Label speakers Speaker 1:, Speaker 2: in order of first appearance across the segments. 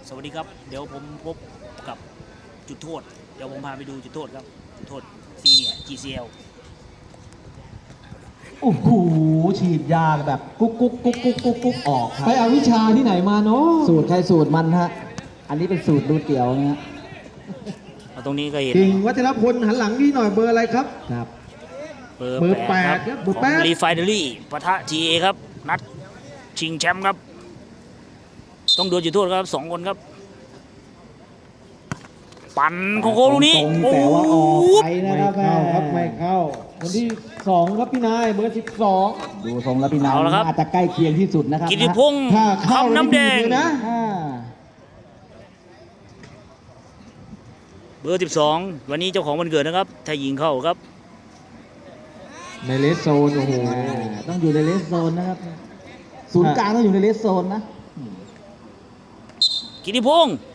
Speaker 1: สวัสดีครับเดี๋ยวผมพบกับจุดโทษเดี๋ยวผมพาไปดูจุดโทษครับจุดโทษซีเนียร์ GCL
Speaker 2: โอ้โหฉีดยาแบบกุ๊กกุ๊กกุ๊กกุ๊กกุ๊กกุ๊กออกครับ
Speaker 3: ไปเอาวิชาที่ไหนมาเนาะ
Speaker 2: สูตรใครสูตรมันฮะอันนี้เป็นสูตรดูเตี๋ยวนะฮะ
Speaker 1: ตรงนี้ก็เห็น
Speaker 3: กิ่งวัชรพลหันหลังพี่หน่อยเบอร์อะไรครับ
Speaker 2: ครับ
Speaker 1: เบอร์
Speaker 3: เบอร์
Speaker 1: แปด
Speaker 3: แปด
Speaker 1: ครับ
Speaker 3: เบอร์
Speaker 1: ข
Speaker 3: แป
Speaker 1: อง
Speaker 3: ด
Speaker 1: รีไฟเนอรี่ปะทะ GA ครับนัดชิงแชมป์ครับต้องดูจุดโทษครับ2 คนครับปั่นโคโค่ลูกนี้
Speaker 2: ตรงแต่ว่าออกไป
Speaker 3: ไม่
Speaker 2: นะครับ
Speaker 3: เข้าครับไม่เข้าคนที่2ครับพี่นายเบอร์12
Speaker 2: ดูทรงแล้วพี่นาย
Speaker 1: เอาละครับ
Speaker 2: น่าจะใกล้เคียงที่สุดนะครับ
Speaker 1: กิติพงศ์
Speaker 3: ถ้าเข้า
Speaker 1: คำน้ำแดง
Speaker 3: เลยนะ
Speaker 2: อ่า
Speaker 1: เบอร์12วันนี้เจ้าของวันเกิดนะครับถ้ายิงเข้าครับ
Speaker 3: ในเลสโซนโอ้โห
Speaker 2: ต้องอยู่ในเลสโซนนะครับศูนย์กลางต้องอยู่ในเลสโซนนะ
Speaker 1: กิติพงศ์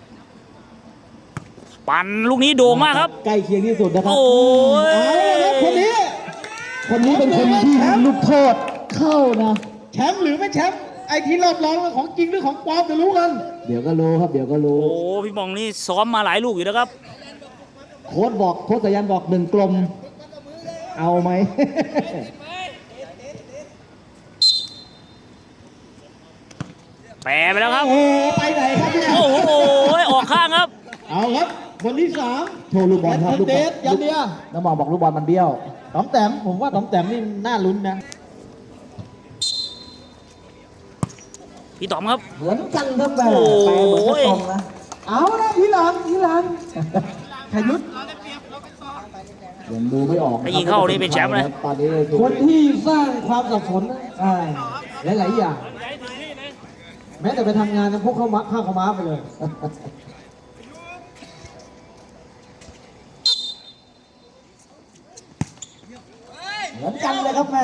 Speaker 1: ปั่นลูกนี้โด่งมากครับ
Speaker 2: ใกล้เคียงที่สุดนะครับ
Speaker 1: โอ้ย
Speaker 3: เอาละครับคนนี้
Speaker 2: คนนี้เป็นคนที่ยิงลูกโทษเข้านะ
Speaker 3: แชมป์หรือไม่แชมป์ไอ้ที่รอบรองของจริงหรือของปลอมจะรู้กัน
Speaker 2: เดี๋ยวก็รู้ครับเดี๋ยวก็รู้
Speaker 1: โอ้พี่บองนี่ซ้อมมาหลายลูกอยู่นะครับ
Speaker 2: โค้ชบอกโค้ชสายันบอก1 กลมเอาไหม
Speaker 1: แปรไปแล้วครับ
Speaker 3: โอ้ไปไหนครับเนี่ย
Speaker 1: โอ้โหออกข้างครับ
Speaker 3: เอาครับคนที่3
Speaker 2: โชว์ลูกบอลครับลูกบ
Speaker 3: เด
Speaker 2: อล
Speaker 3: ชยันเดีย
Speaker 2: น้องมองบอกลูกบอลมันเบี้ยว
Speaker 3: ต๋อมแต้มผมว่าต๋อมแต้มนี่น่าลุ้นนะ
Speaker 1: พี่ต๋อมครับ
Speaker 2: เหมือนกันครับแม่
Speaker 1: โอ้
Speaker 2: แปล
Speaker 1: ย
Speaker 2: เหมือนกระตงนะ
Speaker 3: เอานะทีหลังขยุทธ
Speaker 2: ยังดูไม่ออก
Speaker 1: ถ้ายิงเข้านี่เป็นแชมป์เลย
Speaker 2: ตอนนี้
Speaker 3: คนที่สร้างความสับสนนะหลายๆอย่างแม้แต่ไปทำงานนะพวกเขามักข้าวเขาม้าไปเลย
Speaker 2: เหมือนกันเลยครับแม่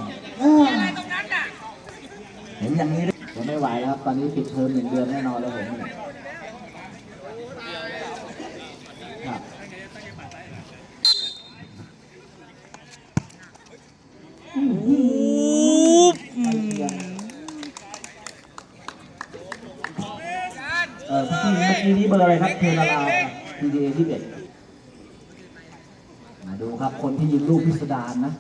Speaker 2: เห็นอย่างนี้ผมไม่ไหวแล้วครับ ตอนนี้ปิดเทอม1 เดือนแน่นอนแล้วผมครับ
Speaker 1: อู้บ
Speaker 2: พี่เมื่อกี้นี้เบอร์อะไรครับเทอร์นาลาPDA ที่1มาดูครับคนที่ยิงลูกพิสดารนะ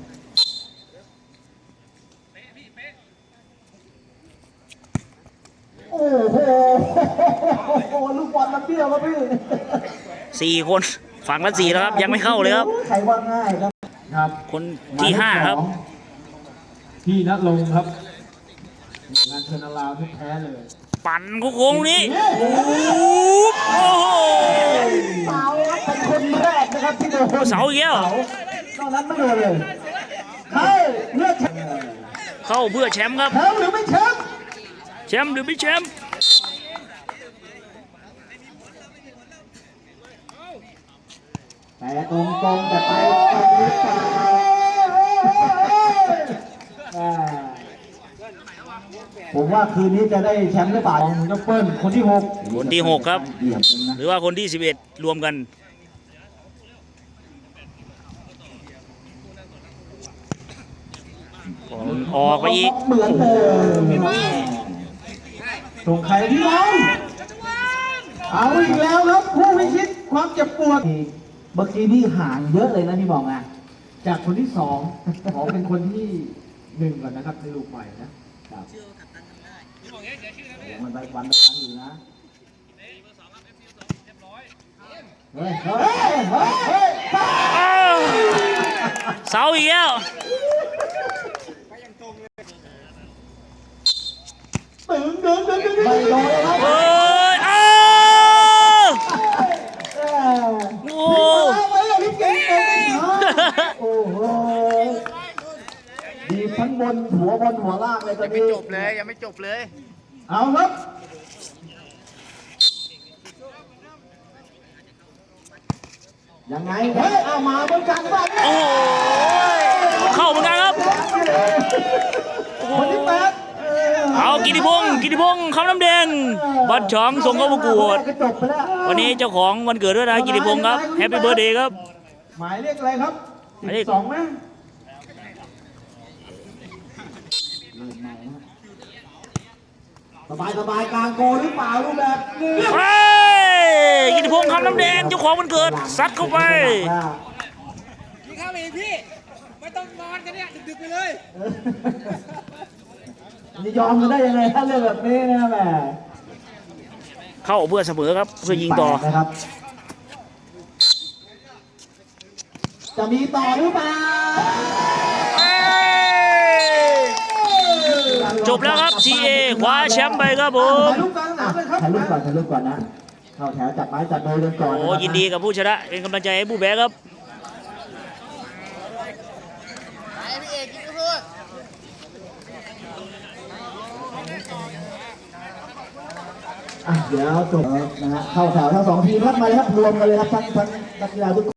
Speaker 2: โอ้โห ลูกบอลมันเบี้ยวครับพี่
Speaker 1: 4 คนฝั่งละ4แล้วครับ ยังไม่เข้าเลยครับ
Speaker 2: ใครว่าง่ายครับ
Speaker 3: ครับ
Speaker 1: คนที่ 5 ครับ
Speaker 3: พี่ณรงค์ครับงานเทอร์นาลาวที่แท้เลย
Speaker 1: ปั่นโค้งๆนี้อู้บโอ้โห
Speaker 2: เสาครับเป็นคนแรกนะครับที่โดน
Speaker 1: เสาอีกแล้ว
Speaker 2: นอกนั้นไม่โดนเลยเข้าเลือกแชมป์
Speaker 1: เข้าเพื่อแชมป์ครับ
Speaker 3: หรือไม่แชมป์
Speaker 1: แชมป์หรือไม่แชมป์
Speaker 2: แต่ตรงๆแต่ไปตรงหรือเปล่าผมว่าคืนนี้จะได้แชมป์หรือเปล่า
Speaker 3: ของยกเปิ้ลคนที่
Speaker 1: คนที่ 6 ครับ
Speaker 2: เหลี่ยมจริงนะ
Speaker 1: หรือว่าคนที่ 11 รวมกันออกไปอีก
Speaker 2: เหมือนเดิม
Speaker 3: 6ส่งใครพี่น้องเอาอีกแล้วครับผู้พิชิตความเจ็บปวด
Speaker 2: เมื่อกี้นี่ห่างเยอะเลยนะพี่บอกอ่ะ
Speaker 3: จากคนที่2ขอเป็นคนที่1ก่อนนะครับในลูกใหม่นะครับ
Speaker 2: มันไปวันละครั้งอยู่นะเฮ้ยเฮ้ยเฮ้ยเฮ้ย
Speaker 1: อ้าวเสาอีกแล้ว
Speaker 3: ดึง
Speaker 2: ไม่โดนเลยครับ
Speaker 1: เฮ้ยอ้าวโอ้
Speaker 3: เอาไว้เลยพี่เก่งเลย
Speaker 2: โอ้โหดีทั้งบนหัวล่างเลยตอนนี้
Speaker 4: จบเลยยังไม่จบเลย
Speaker 3: เอาครับ
Speaker 2: ยังไงเฮ้ยเอามาเหมือนกันบ้าง
Speaker 1: โอ้ยเข้าเหมือนกันครับ
Speaker 3: คนที่
Speaker 1: เอากิติพงศ์คำน้ำแดงบัตรช้องส่งเข้าประกวด
Speaker 2: จบไปแล้ว
Speaker 1: วันนี้เจ้าของวันเกิดด้วยนะกิติพงศ์ครับแฮปปี้เบิร์ธเดย์ครับ
Speaker 3: หมายเลขอะไรครับ
Speaker 1: หมายเลข
Speaker 3: 12ไหม
Speaker 2: เริ่มใหม่นะสบายกลางโกหรือเปล่าลูกแบบนี้
Speaker 1: เฮ้ยกิติพงษ์คำน้ำแดงเจ้าของวันเกิดซัดเข้าไป
Speaker 4: พี่เข้าไปอีกพี่ ไม่ต้องนอนกันเนี่ยดึกๆไปเลย
Speaker 2: จะยอมกันได้ยังไงถ้าเรื่องแบบนี้นะแหม
Speaker 1: เข้าเพื่อเสมอครับเพื่อยิงต่อ
Speaker 2: นะครับ จะมีต่อหรือเปล่า
Speaker 1: จบแล้วครับทีเอคว้าแชมป์ไปครับผม
Speaker 2: ถ่ายรูปกลางสนามเลยครับถ่ายรูปก่อนนะเข้าแถวจับไม้จับมือกันก่อน
Speaker 1: โอ้ยินดีกับผู้ชนะเป็นกำลังใจให้ผู้แพ้ครับ
Speaker 2: เดี๋ยวจบนะฮะเข้าแถวทั้งสองทีมครับมาเลยครับรวมกันเลยครับทั้งนักกีฬาทุกคน